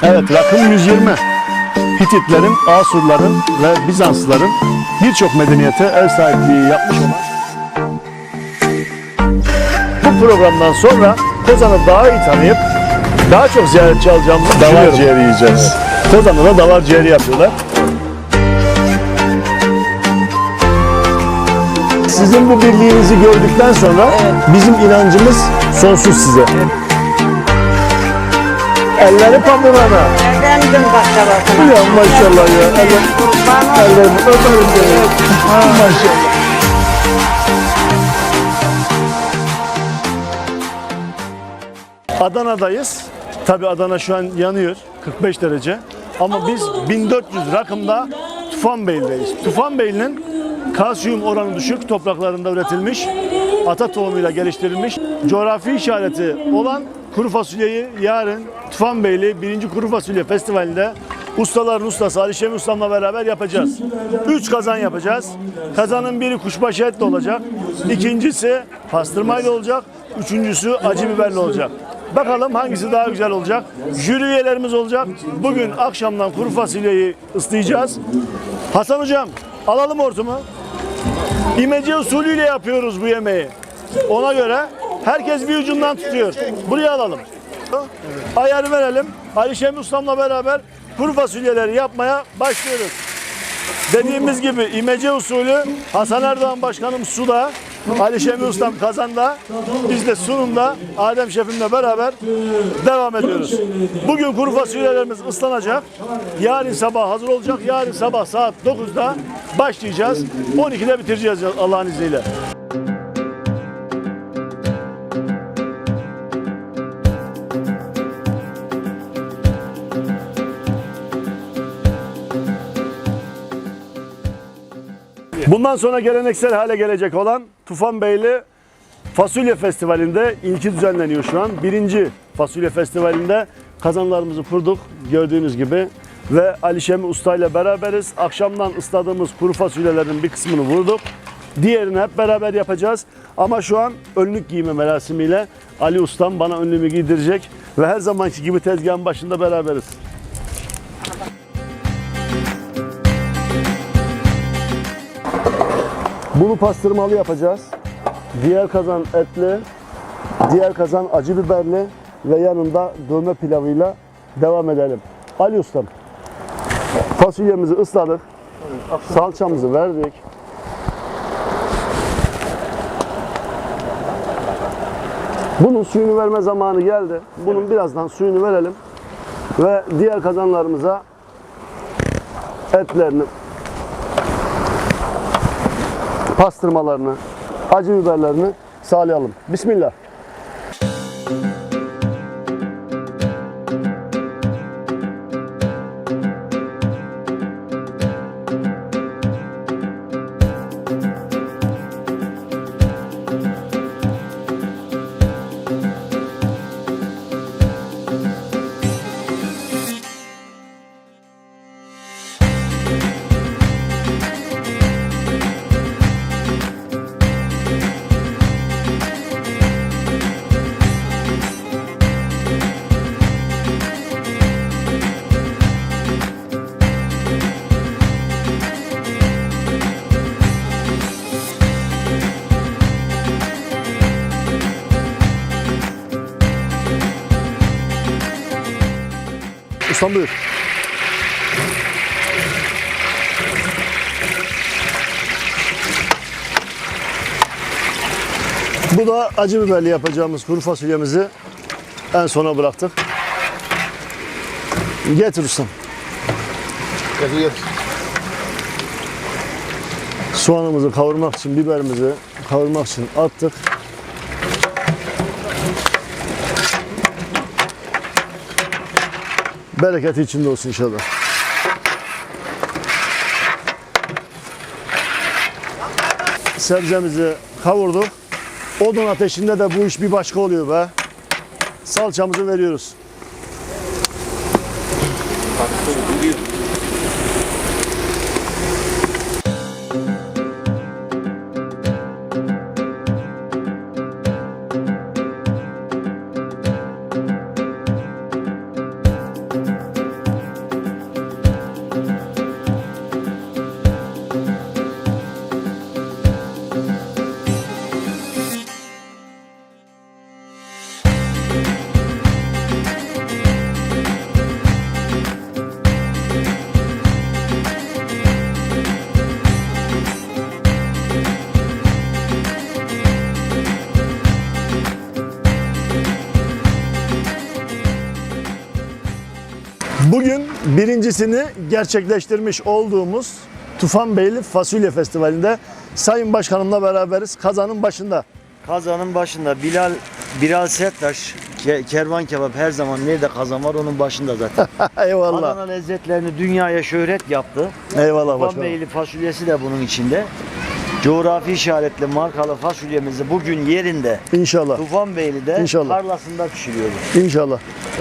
Evet, rakım 120. Hititlerin, Asurların ve Bizanslıların birçok medeniyete ev sahipliği yapmış olan bu programdan sonra Kozan'ı daha iyi tanıyıp daha çok ziyaretçi alacağımızı düşünüyorum. Davar ciğeri yiyeceğiz. Evet. Kozan'da da davar ciğeri yapıyorlar. Sizin bu birliğinizi gördükten sonra bizim inancımız sonsuz size. Elleri pamurana. Efendim baklavasına. Ya maşallah ya. Ellerini öperim seni. Maşallah. Adana'dayız. Tabii Adana şu an yanıyor. 45 derece. Ama biz 1400 rakımda Tufanbeyli'deyiz. Tufanbeyli'nin kalsiyum oranı düşük topraklarında üretilmiş, ata tohumuyla geliştirilmiş, coğrafi işareti olan kuru fasulyeyi yarın Tufanbeyli 1. Kuru Fasulye Festivali'nde ustaların ustası Ali Şemi Ustam'la beraber yapacağız. 3 kazan yapacağız. Kazanın biri kuşbaşı etli olacak, ikincisi pastırmayla olacak, üçüncüsü acı biberli olacak. Bakalım hangisi daha güzel olacak. Jüri üyelerimiz olacak. Bugün akşamdan kuru fasulyeyi ıslayacağız. Hasan hocam alalım hortumu. İmece usulüyle yapıyoruz bu yemeği. Ona göre herkes bir ucundan tutuyor. Buraya alalım. Ayarı verelim. Ali Şemi Ustam'la beraber kuru fasulyeleri yapmaya başlıyoruz. Dediğimiz gibi imece usulü Hasan Erdoğan Başkanım suda, Ali Şemi Ustam kazanda, biz de sunumda Adem Şefimle beraber devam ediyoruz. Bugün kuru fasulyelerimiz ıslanacak. Yarın sabah hazır olacak. Yarın sabah saat 9'da başlayacağız. 12'de bitireceğiz Allah'ın izniyle. Bundan sonra geleneksel hale gelecek olan Tufanbeyli Fasulye Festivali'nde ilki düzenleniyor şu an. 1. Fasulye Festivali'nde kazanlarımızı kurduk gördüğünüz gibi ve Ali Şemi Usta ile beraberiz. Akşamdan ısladığımız kuru fasulyelerin bir kısmını vurduk. Diğerini hep beraber yapacağız. Ama şu an önlük giyme merasimiyle Ali Ustam bana önlüğümü giydirecek ve her zamanki gibi tezgahın başında beraberiz. Bunu pastırmalı yapacağız. Diğer kazan etli, diğer kazan acı biberli ve yanında dövme pilavıyla devam edelim. Ali Ustam, fasulyemizi ısladık, salçamızı verdik. Bunun suyunu verme zamanı geldi. Bunun birazdan suyunu verelim ve diğer kazanlarımıza etlerini, pastırmalarını, acı biberlerini sağlayalım. Bismillah. Ustam buyur. Bu da acı biberli yapacağımız kuru fasulyemizi en sona bıraktık. Getir ustam. Getir. Soğanımızı kavurmak için, biberimizi kavurmak için attık. Bereketi içinde olsun inşallah. Sebzemizi kavurduk. Odun ateşinde de bu iş bir başka oluyor be. Salçamızı veriyoruz. Bugün birincisini gerçekleştirmiş olduğumuz Tufanbeyli Fasulye Festivali'nde Sayın Başkanımla beraberiz. Kazanın başında. Kazanın başında Bilal Serttaş, Kervan Kebap her zaman nerede kazan var onun başında zaten. Eyvallah. Adana lezzetlerini dünyaya şöhret yaptı. Eyvallah başkanım. Tufanbeyli fasulyesi de bunun içinde. Coğrafi işaretli markalı fasulyemizi bugün yerinde İnşallah. Tufanbeyli'de İnşallah. tarlasında pişiriyoruz. İnşallah.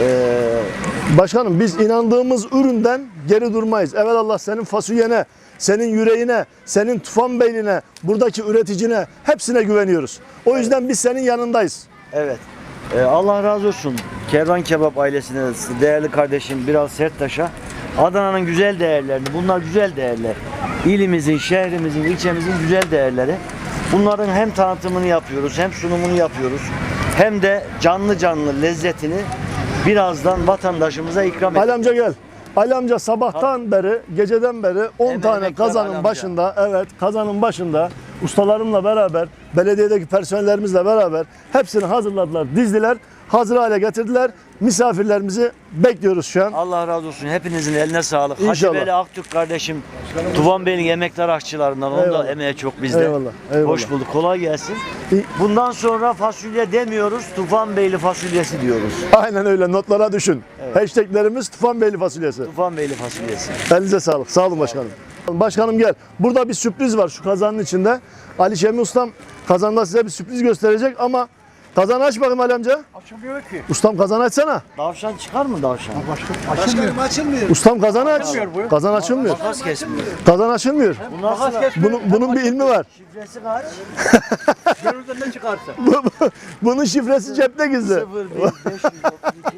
Başkanım biz inandığımız üründen geri durmayız. Evelallah senin fasulyene, senin yüreğine, senin Tufanbeyli'ne, buradaki üreticine hepsine güveniyoruz. O yüzden biz senin yanındayız. Evet. Allah razı olsun Kervan Kebap ailesine, değerli kardeşim Bilal Serttaş'a. Adana'nın güzel değerlerini, bunlar güzel değerler. İlimizin, şehrimizin, ilçemizin güzel değerleri. Bunların hem tanıtımını yapıyoruz, hem sunumunu yapıyoruz. Hem de canlı canlı lezzetini birazdan vatandaşımıza ikram Ali ediyoruz. amca gel. Ali amca sabahtan beri, geceden beri 10 Hemen tane emektar Ali kazanın amca. başında, evet kazanın başında ustalarımla beraber, belediyedeki personellerimizle beraber hepsini hazırladılar, dizdiler, hazır hale getirdiler. Misafirlerimizi bekliyoruz şu an. Allah razı olsun. Hepinizin eline sağlık. Hacı İnşallah. Veli Aktürk kardeşim Tufanbeyli'nin emektar aşçılarından. Onun da Eyvallah. emeği çok bizde. Eyvallah, eyvallah. Hoş bulduk. Kolay gelsin. İyi. Bundan sonra fasulye demiyoruz. Tufanbeyli fasulyesi diyoruz. Aynen öyle, notlara düşün. Hashtaglerimiz Tufanbeyli fasulyesi. Tufanbeyli fasulyesi. Elinize sağlık. Sağ olun başkanım. Başkanım gel. Burada bir sürpriz var şu kazanın içinde. Ali Şemi Ustam kazanda size bir sürpriz gösterecek ama kazanı aç bakayım Ali amca. Açılmıyor ki. Ustam kazanı açsana. Tavşan çıkar mı tavşan? Başkanım açılmıyor. Ustam kazanı aç. Kazan açılmıyor. Makas kesmiyor. Kazan açılmıyor. Bu nasıl? Bunun bir ilmi var. Şifresi kaç? Görürden ne çıkarsa. Bunun şifresi cepte gizli. 0532.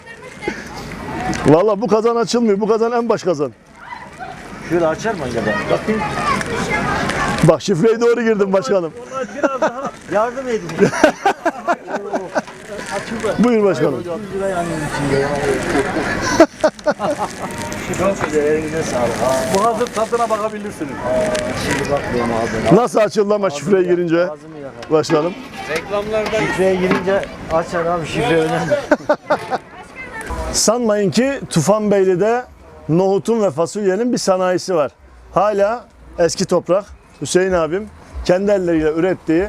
Vallahi bu kazan açılmıyor. Bu kazan en baş kazan. Şöyle açar mı acaba? Bakayım. Bak şifreyi doğru girdim başkanım. Yardım edin. Buyur başkanım. 100 lira yanıyor içinde ya. Çok güzel. Elinize sağlık. Bu hazır tadına bakabilirsiniz. Şimdi bakmıyorum ağzına. Nasıl açıldı ama şifreye girince? Ağzımı yakar. Başkanım. Şifreye girince açar abi, şifre önemli. Sanmayın ki Tufanbeyli'de nohutun ve fasulyenin bir sanayisi var. Hala eski toprak Hüseyin abim kendi elleriyle ürettiği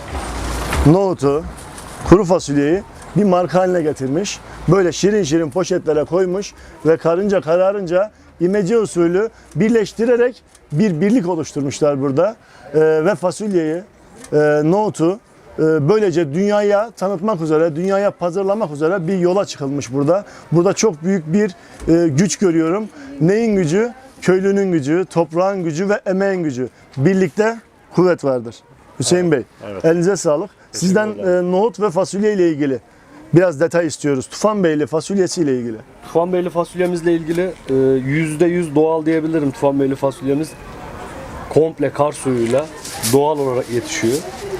nohutu, kuru fasulyeyi bir marka haline getirmiş. Böyle şirin şirin poşetlere koymuş ve karınca kararınca imece usulü birleştirerek bir birlik oluşturmuşlar burada. Ve fasulyeyi, nohutu böylece dünyaya tanıtmak üzere, dünyaya pazarlamak üzere bir yola çıkılmış burada. Burada çok büyük bir güç görüyorum. Neyin gücü? Köylünün gücü, toprağın gücü ve emeğin gücü. Birlikte kuvvet vardır. Hüseyin Bey, elinize sağlık. Sizden nohut ve fasulye ile ilgili biraz detay istiyoruz. Tufanbeyli fasulyesi ile ilgili. Tufanbeyli fasulyemizle ilgili %100 doğal diyebilirim. Tufanbeyli fasulyemiz komple kar suyuyla doğal olarak yetişiyor.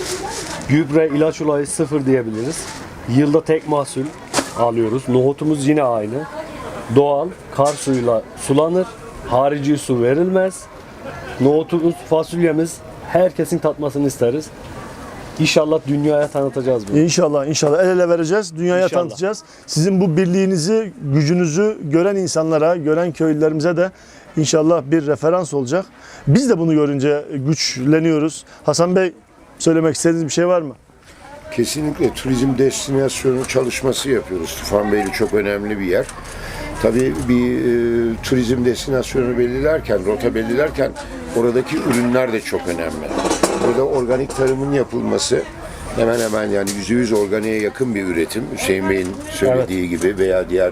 Gübre, ilaç olayı sıfır diyebiliriz. Yılda tek mahsul alıyoruz. Nohutumuz yine aynı. Doğal, kar suyuyla sulanır. Harici su verilmez. Nohutumuz, fasulyemiz herkesin tatmasını isteriz. İnşallah dünyaya tanıtacağız bunu. İnşallah, inşallah el ele vereceğiz, dünyaya İnşallah. tanıtacağız. Sizin bu birliğinizi, gücünüzü gören insanlara, gören köylülerimize de inşallah bir referans olacak. Biz de bunu görünce güçleniyoruz. Hasan Bey, söylemek istediğiniz bir şey var mı? Kesinlikle turizm destinasyonu çalışması yapıyoruz. Tufanbeyli çok önemli bir yer. Tabii bir turizm destinasyonu belirlerken, rota belirlerken oradaki ürünler de çok önemli. Burada organik tarımın yapılması hemen hemen yani %100 organiğe yakın bir üretim. Hüseyin Bey'in söylediği gibi veya diğer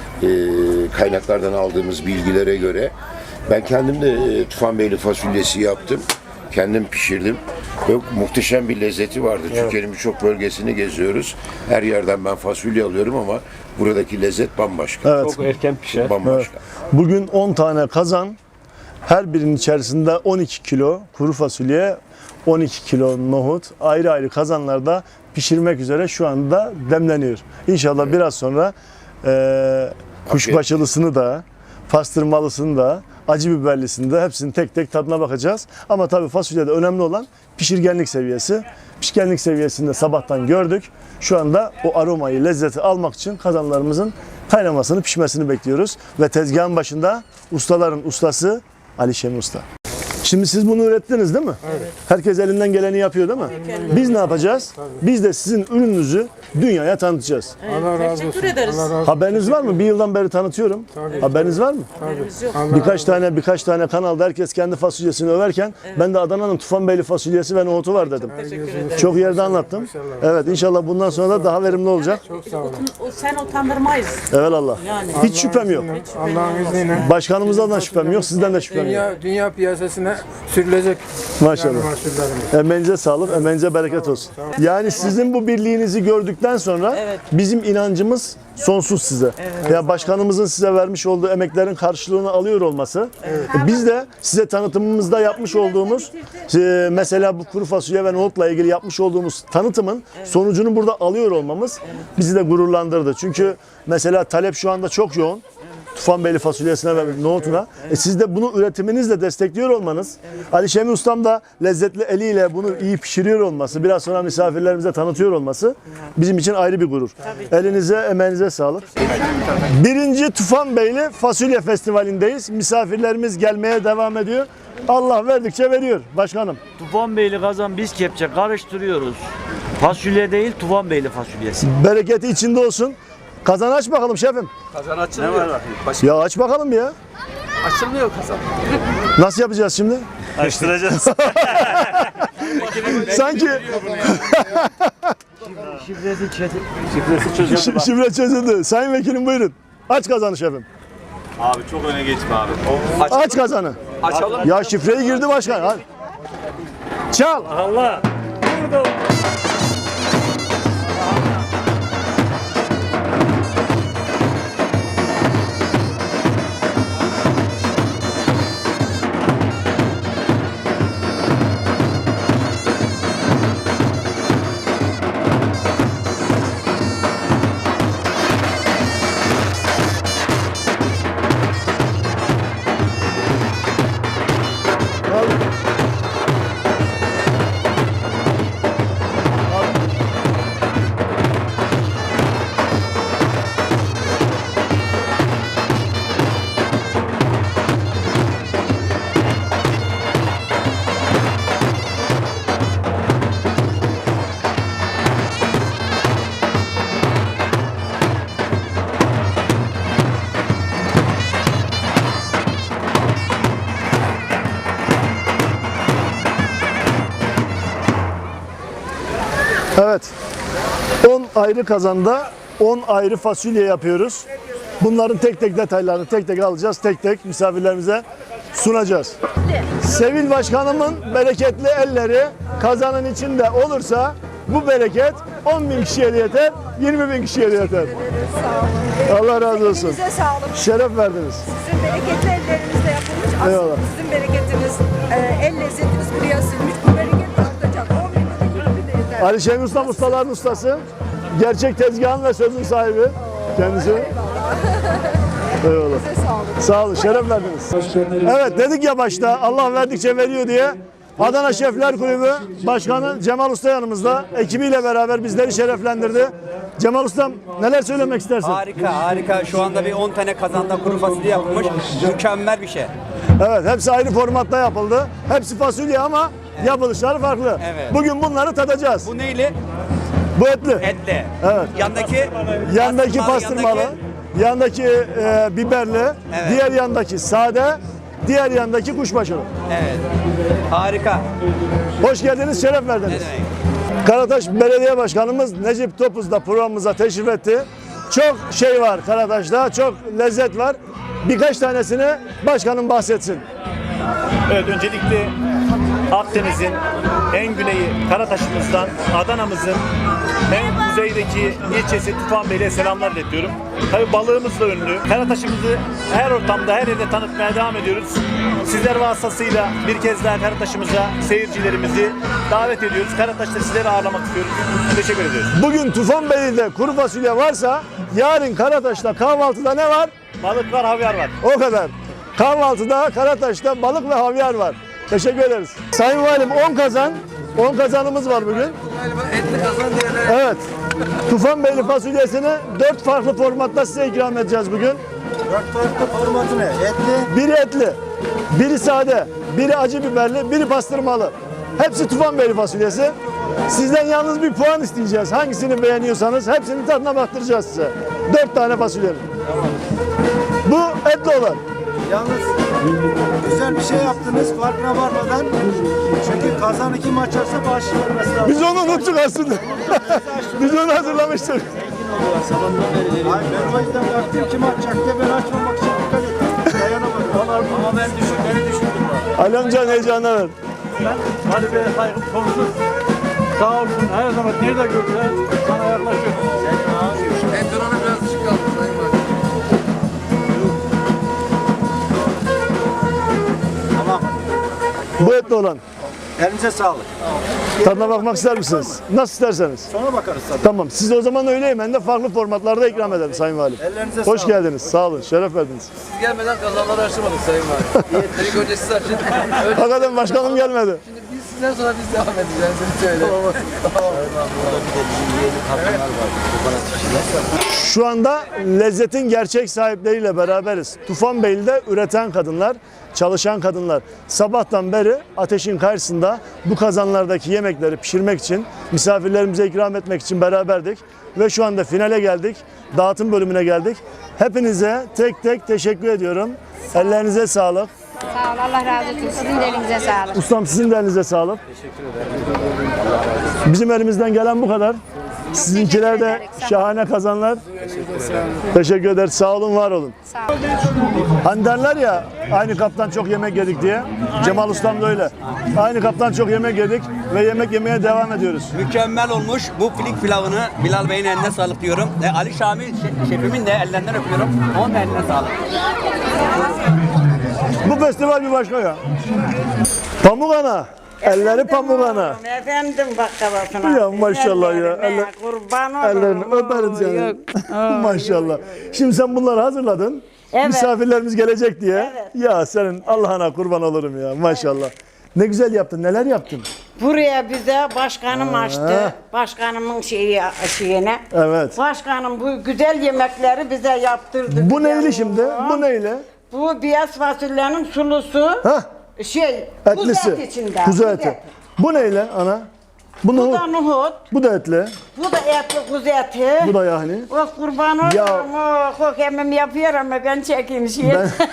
kaynaklardan aldığımız bilgilere göre. Ben kendim de Tufanbeyli fasulyesi yaptım. Kendim pişirdim. Ve muhteşem bir lezzeti vardı. Türkiye'nin birçok bölgesini geziyoruz. Her yerden ben fasulye alıyorum ama buradaki lezzet bambaşka. Evet. Çok erken pişer. Bambaşka. Bugün 10 tane kazan, her birinin içerisinde 12 kilo kuru fasulye, 12 kilo nohut ayrı ayrı kazanlarda pişirmek üzere şu anda demleniyor. İnşallah biraz sonra kuşbaşılısını da, pastırmalısını da, acı biberlisini de hepsinin tek tek tadına bakacağız. Ama tabii fasulyede önemli olan pişirgenlik seviyesi. Pişirgenlik seviyesinde sabahtan gördük. Şu anda o aromayı, lezzeti almak için kazanlarımızın kaynamasını, pişmesini bekliyoruz. Ve tezgahın başında ustaların ustası Ali Şemi Usta. Şimdi siz bunu ürettiniz değil mi? Evet. Herkes elinden geleni yapıyor değil mi? Biz ne yapacağız? Biz de sizin ürününüzü dünyaya tanıtacağız. Allah razı olsun. Teşekkür ederiz. Allah razı olsun. Haberiniz var mı? Bir yıldan beri tanıtıyorum. Haberiniz var mı? Haberimiz yok. Birkaç tane kanalda herkes kendi fasulyesini överken ben de Adana'nın Tufanbeyli fasulyesi ve nohutu var dedim. Teşekkür ederim. Çok yerde anlattım. Evet, inşallah bundan sonra da daha verimli olacak. Sen utandırmayız. Evelallah. Yani. Hiç şüphem yok. Allah'ın izniyle Başkanımızdan da şüphem yok, sizden de şüphem yok. dünya piyasasına sürülecek. Maşallah. mahsullerimiz. Emeğinize sağlık, emeğinize bereket olsun. Yani sizin bu birliğinizi gördükten sonra bizim inancımız sonsuz size. Ya başkanımızın size vermiş olduğu emeklerin karşılığını alıyor olması. Biz de size tanıtımımızda yapmış olduğumuz mesela bu kuru fasulye ve nohutla ilgili yapmış olduğumuz tanıtımın sonucunu burada alıyor olmamız bizi de gururlandırdı. Çünkü mesela talep şu anda çok yoğun. Tufanbeyli fasulyesine ve nohutuna. Siz de bunu üretiminizle destekliyor olmanız, Ali Şemi Ustam da lezzetli eliyle bunu iyi pişiriyor olması, biraz sonra misafirlerimize tanıtıyor olması bizim için ayrı bir gurur. Elinize, emeğinize sağlık. 1. Tufanbeyli Fasulye Festivali'ndeyiz. Misafirlerimiz gelmeye devam ediyor. Allah verdikçe veriyor başkanım. Tufanbeyli kazan biz kepçe karıştırıyoruz. Fasulye değil Tufanbeyli fasulyesi. Bereketi içinde olsun. Kazan aç bakalım şefim. Kazan açılmıyor. Ya aç bakalım ya. Açılmıyor kazan. Nasıl yapacağız şimdi? Açtıracağız. Sanki Şifresi çözüldü. şifre çözüldü. Sayın Vekilim buyurun. Aç kazanı şefim. Abi çok öne geçme abi. Aç kazanı. Açalım. Ya şifreyi girdi başkan. Hadi. Çal. Allah. Evet. 10 ayrı kazanda 10 ayrı fasulye yapıyoruz. Bunların tek tek detaylarını tek tek alacağız. Tek tek misafirlerimize sunacağız. Sevil Başkanımın bereketli elleri kazanın içinde olursa bu bereket 10.000 kişiye de yeter, 20.000 kişiye de yeter. Allah razı olsun. Elinize sağlık. Şeref verdiniz. Sizin bereketli ellerinizle yapılmış. Aslında Eyvallah. sizin bereketiniz, el lezzetiniz buraya sürmüş. Bu bereket artacak. 10 bin de 20 bin de yeter. Ali Şemi Ustam ustaların ustası. Gerçek tezgahın ve sözün sahibi. Kendisi. Eyvallah. Size sağlık. Sağ olun, şeref verdiniz. Evet dedik ya başta Allah verdikçe veriyor diye. Adana Şefler Kulübü Başkanı Cemal Usta yanımızda. Ekibiyle beraber bizleri şereflendirdi. Cemal Ustam neler söylemek istersin? Harika harika. Şu anda bir 10 tane kazanda kuru fasulye yapılmış. Mükemmel bir şey. Evet hepsi ayrı formatta yapıldı. Hepsi fasulye ama yapılışları farklı. Evet. Bugün bunları tadacağız. Bu neyli? Bu etli. Etli. Evet. Yandaki Pastırmalı, yandaki biberli, Evet. diğer yandaki sade, diğer yandaki kuşbaşılı. Evet. Harika. Hoş geldiniz, şeref verdiniz. Ne demek? Karataş Belediye Başkanımız Necip Topuz da programımıza teşrif etti. Çok şey var Karataş'ta, çok lezzet var. Birkaç tanesini başkanım bahsetsin. Evet, öncelikle Akdeniz'in en güneyi Karataş'ımızdan Adana'mızın en kuzeydeki ilçesi Tufanbeyli'ye selamlar iletiyorum. Tabii balığımızla ünlü. Karataş'ımızı her ortamda, her yerde tanıtmaya devam ediyoruz. Sizler vasıtasıyla bir kez daha Karataş'ımıza seyircilerimizi davet ediyoruz. Karataş'ta sizleri ağırlamak istiyoruz. Teşekkür ediyoruz. Bugün Tufanbeyli'de kuru fasulye varsa yarın Karataş'ta kahvaltıda ne var? Balık var, havyar var. O kadar. Kahvaltıda Karataş'ta balık ve havyar var. Teşekkür ederiz. Sayın Valim 10 kazan 10 kazanımız var bugün. Evet. Tufanbeyli fasulyesini 4 farklı formatta size ikram edeceğiz bugün. 4 farklı formatı ne? Etli. Biri etli, biri sade, biri acı biberli, biri pastırmalı. Hepsi Tufanbeyli fasulyesi. Sizden yalnız bir puan isteyeceğiz. Hangisini beğeniyorsanız hepsinin tadına baktıracağız size. 4 tane fasulyenin. Bu etli olan. Yalnız güzel bir şey yaptınız farkına varmadan. Çünkü kazanı kim açarsa bağışı vermesi lazım. Biz onu unuttuk aslında. Biz onu hazırlamıştık. Hayır, ben o yüzden baktım kim açacak diye ben açmamak için dikkat ettim. Dayanamadım. Ama beni düşündüm. Ali amcanın heyecanına ver. Ali Bey'e saygım sonsuz. Sağ olsun her zaman nerede görürse sana yaklaşıyor. Entrona biraz ışık kaldı Sayın Valim. Tamam. Bu etli olan. Elinize sağlık. Tadına bakmak ister misiniz? Nasıl isterseniz. Sonra bakarız tabii. Tamam. Siz o zaman öyle yemeğini de farklı formatlarda ikram edelim Sayın Valim. Ellerinize Hoş sağlık. geldiniz. Sağ olun. Şeref verdiniz. Siz gelmeden kazanları açamadık Sayın Valim. İlk önce siz açın. Hakikaten başkanım gelmedi. Şimdi biz sizden sonra biz devam edeceğiz. Seni söyle. Şu anda lezzetin gerçek sahipleriyle beraberiz. Tufanbeyli'de üreten kadınlar, çalışan kadınlar. Sabahtan beri ateşin karşısında bu kazanlardaki yemekleri pişirmek için, misafirlerimize ikram etmek için beraberdik. Ve şu anda finale geldik. Dağıtım bölümüne geldik. Hepinize tek tek teşekkür ediyorum. Ellerinize sağlık. Sağ ol, Allah razı olsun. Sizin de elinize sağlık. Ustam sizin de elinize sağlık. Bizim elimizden gelen bu kadar. Sizinkiler de şahane kazanlar. Teşekkür ederiz. Sağ olun, var olun. Sağ ol. Hani derler ya aynı kaptan çok yemek yedik diye. Cemal Ustam da öyle. Aynı kaptan çok yemek yedik ve yemek yemeye devam ediyoruz. Mükemmel olmuş. Bu filik pilavını Bilal Bey'in eline sağlık diyorum. Ali Şamil şefimin de ellerinden öpüyorum. Onun da eline sağlık. Bu festival bir başka ya. Pamuk ana. Elleri pamuk ana. Efendim baklavasına. Ya maşallah ya. Kurban olurum. Ellerini öperim seni. Maşallah. Şimdi sen bunları hazırladın. Evet. Misafirlerimiz gelecek diye. Evet. Ya senin Allah'ına kurban olurum ya. Maşallah. Ne güzel yaptın. Neler yaptın? Buraya bize başkanım açtı. Başkanımın şeyine. Evet. Başkanım bu güzel yemekleri bize yaptırdı. Bu bize. neyli şimdi? Bu neyle? Bu beyaz fasulyenin sulusu. Hah. Kuzu Etlisi. et içinde. Kuzu eti. Bu neyle ana? Bu Bu nohut. da nohut. Bu da etli. Bu da etli kuzu eti. Bu da yahni. Oh kurban Ya. olurum. Oh emmim yapıyor ama ben çekeyim şey.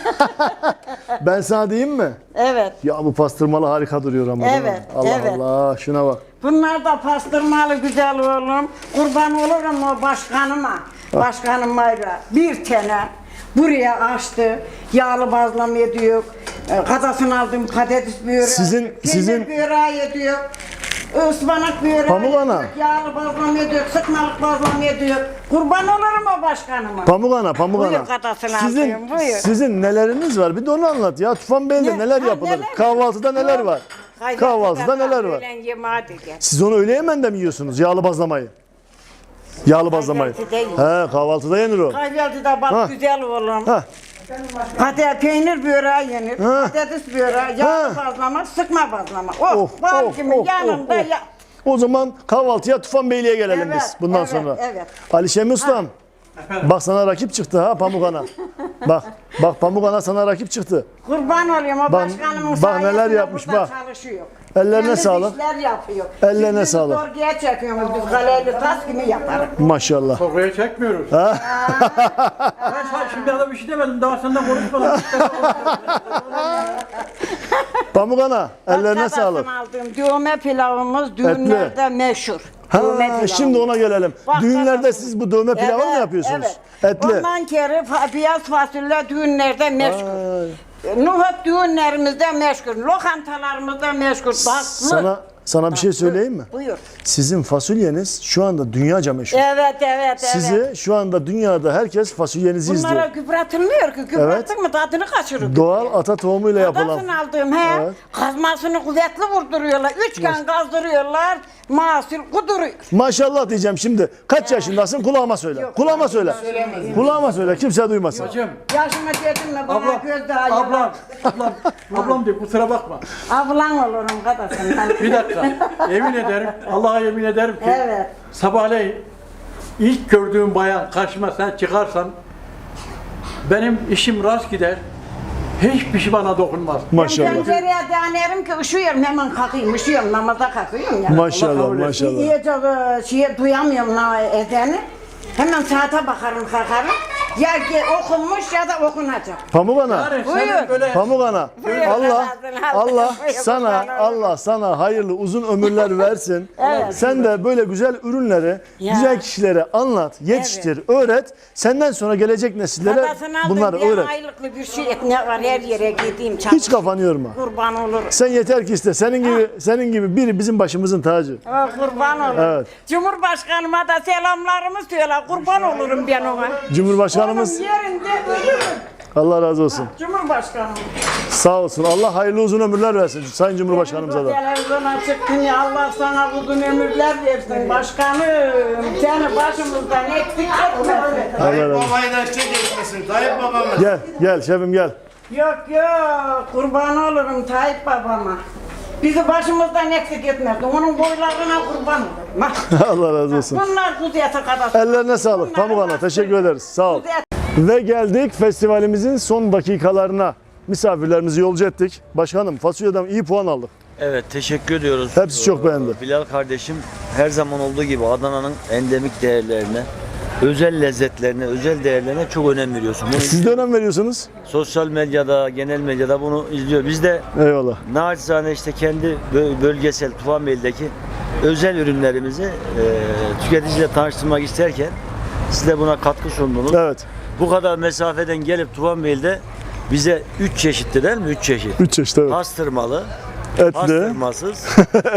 Ben sana diyeyim mi? Evet. Ya bu pastırmalı harika duruyor ama. değil mi? Evet, Allah evet. Allah. Şuna bak. Bunlar da pastırmalı güzel oğlum. Kurban olurum o başkanıma. Başkanıma bir tane buraya açtı. Yağlı bazlama ediyor. Kadasını aldım patates böreği. Sizin- böreği ediyor. Ispanak böreği. Pamuk ana. Yağlı bazlama ediyor. Sıkmalık bazlama ediyor. Kurban olurum o başkanıma. Pamuk ana, pamuk Buyur ana. kadasını Sizin, alayım, buyur. sizin neleriniz var? Bir de onu anlat ya. Tufanbeyli'de Ne? neler Ha, yapılır? neler? Kahvaltıda neler var? Kahvaltıda neler var? Öğlen yemeği de gel. Siz onu öğle yemeğinde mi yiyorsunuz? Yağlı bazlamayı. Yağlı bazlamayı. Kahvaltıda yiyoruz. He, kahvaltıda yenir o. Kahvaltıda bak Ha. güzel oğlum. Ha. Patates peynir böreği yenir. Ha. Patates böreği, yağlı Ha. bazlama, sıkma bazlama. Oh, Of, bal of, gibi of, yanında of, of. ya. O zaman kahvaltıya Tufanbeyli'ye gelelim Evet, biz bundan evet, sonra. evet. Ali Şemi Ustam. Bak sana rakip çıktı ha Pamuk ana. Bak Pamuk ana sana rakip çıktı. Kurban olayım o Bak- başkanımın bak neler sayesinde yapmış, burada bak. çalışıyor. Ellerine Temiz sağlık. işler yapıyor. Ellerine Biz sağlık. Sorguya çekiyoruz biz kaleli tas gibi yaparız. Maşallah. Oraya çekmiyoruz. Ha? Ben şimdi adam bir şey demedim daha senden konuşmadım. Pamuk ana ellerine Bak, sağlık. aldığım düğme pilavımız düğünlerde meşhur. Düğme Ha, pilavı. şimdi ona gelelim. Bak, Düğünlerde bak. siz bu dövme pilavı mı yapıyorsunuz? Evet. Etli. Ondan kere beyaz fasulye düğünlerde meşhur. Nohut düğünlerimizde meşhur. Lokantalarımızda meşhur. Tatlı. Sana bir şey söyleyeyim mi? Buyur. Sizin fasulyeniz şu anda dünyaca meşhur. Evet, evet. Sizi şu anda dünyada herkes fasulyenizi Bunlara izliyor. gübretilmiyor ki. Gübretin mi tadını kaçırır. Doğal ata tohumuyla yapılan. Kadasını aldığım he. Evet. Kazmasını kuvvetli vurduruyorlar. 3 gün kazdırıyorlar. Mahsul kuduruyor. Maşallah diyeceğim şimdi. Kaç yaşındasın? Kulağıma söyle. Kulağıma söyle. Kulağıma söyle. Kimse duymasın. Yaşıma dedim mi bana göz daha Ablam diyor kusura bakma. Ablan olurum kadasın. Bir dakika Yemin ederim, Allah'a yemin ederim ki Evet. sabahleyin ilk gördüğüm bayan karşıma sen çıkarsan benim işim rast gider. Hiçbir şey bana dokunmaz. Maşallah. Pencereye danerim ki üşüyorum hemen kalkayım, üşüyorum namaza kalkıyorum ya. Maşallah maşallah. İyice duyamıyorum ne edeni. Hemen saate bakarım kalkarım. Ya okunmuş ya da okunacak. Pamuk Ana. Yani Buyur. senin böyle Pamuk Ana. Buyur, Allah buyur, Allah sana hayırlı uzun ömürler versin. Sen de böyle güzel ürünleri güzel kişilere anlat, yetiştir, öğret. Senden sonra gelecek nesillere Babasına bunları aldım, öğret. aylıklı bir şey ne var her yere gideyim Hiç kafanı yorma. Kurban olurum. Sen yeter ki iste. Senin gibi biri bizim başımızın tacı. Kurban olurum. Evet. Cumhurbaşkanıma da selamlarımı söyle. Kurban olurum ben ona. Cumhurbaşkanımız Onun yerinde ölürüm. Allah razı olsun. Cumhurbaşkanım. Sağ olsun. Allah hayırlı uzun ömürler versin Sayın Cumhurbaşkanımıza da. Televizyona çıktın ya Allah sana uzun ömürler versin başkanım. Seni başımızdan eksik etme. Allah razı olsun. Babayı da eksik etmesin. Tayyip babamı. Gel şefim gel. Yok kurban olurum Tayyip babama. Bizi başımızdan eksik etmezdi. Onun boylarına kurban olurum. Allah razı olsun. Bunlar kudiyete kadar. Ellerine sağlık. Pamuk Ana teşekkür ederiz. Sağ ol. Ve geldik festivalimizin son dakikalarına. Misafirlerimizi yolcu ettik. Başkanım fasulyeden iyi puan aldık. Evet, teşekkür ediyoruz. Hepsi çok beğendi. Bilal kardeşim her zaman olduğu gibi Adana'nın endemik değerlerine, özel lezzetlerine, özel değerlerine çok önem veriyorsun. Bunu Siz de önem veriyorsunuz. sosyal medyada, genel medyada bunu izliyor. Biz de Eyvallah. naçizane işte kendi bölgesel Tufanbeyli'deki özel ürünlerimizi tüketiciyle tanıştırmak isterken siz de buna katkı sundunuz. Evet. Bu kadar mesafeden gelip Tufanbeyli'de bize 3 çeşitli değil mi? 3 çeşit. 3 çeşit evet. Pastırmalı, Etli, pastırmasız,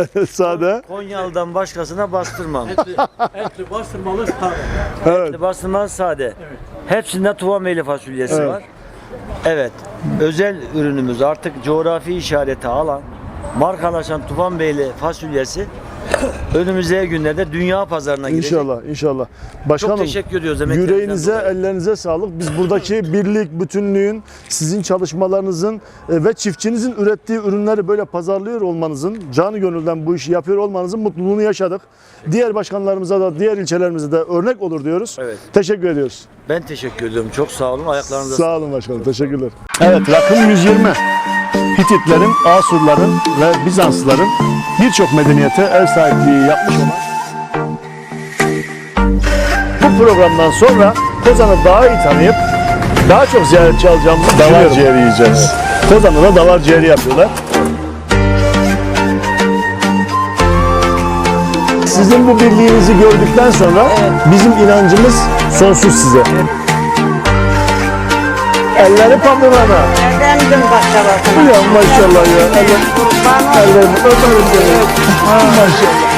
sade. Konyalı'dan başkasına bastırmam. etli bastırmalı sade. Evet. Bastırmalı sade. Hepsinde Tufanbeyli fasulyesi Evet. var. Evet. Özel ürünümüz artık coğrafi işareti alan, markalaşan Tufanbeyli fasulyesi önümüzdeki günlerde dünya pazarına girecek. İnşallah, inşallah. Başkanım, Çok teşekkür ediyoruz emeklerinizden yüreğinize, dolayı. ellerinize sağlık. Biz buradaki birlik, bütünlüğün, sizin çalışmalarınızın ve çiftçinizin ürettiği ürünleri böyle pazarlıyor olmanızın, canı gönülden bu işi yapıyor olmanızın mutluluğunu yaşadık. Diğer başkanlarımıza da, diğer ilçelerimize de örnek olur diyoruz. Evet. Teşekkür ediyoruz. Ben teşekkür ediyorum. Çok sağ olun. Ayaklarınıza Sağ olun başkanım, teşekkürler. Evet, rakım 120. Hititlerin, Asurların ve Bizanslıların birçok medeniyete ev sahipliği yapmış olan bu programdan sonra Kozan'ı daha iyi tanıyıp daha çok ziyaretçi alacağımızı düşünüyorum. Davar ciğeri yiyeceğiz. Kozan'da da davar ciğeri yapıyorlar. Sizin bu birliğinizi gördükten sonra bizim inancımız sonsuz size. Elleri Pamuk Ana. Efendim baklavasına. Ya maşallah ya. Ellerini öperim seni. Maşallah.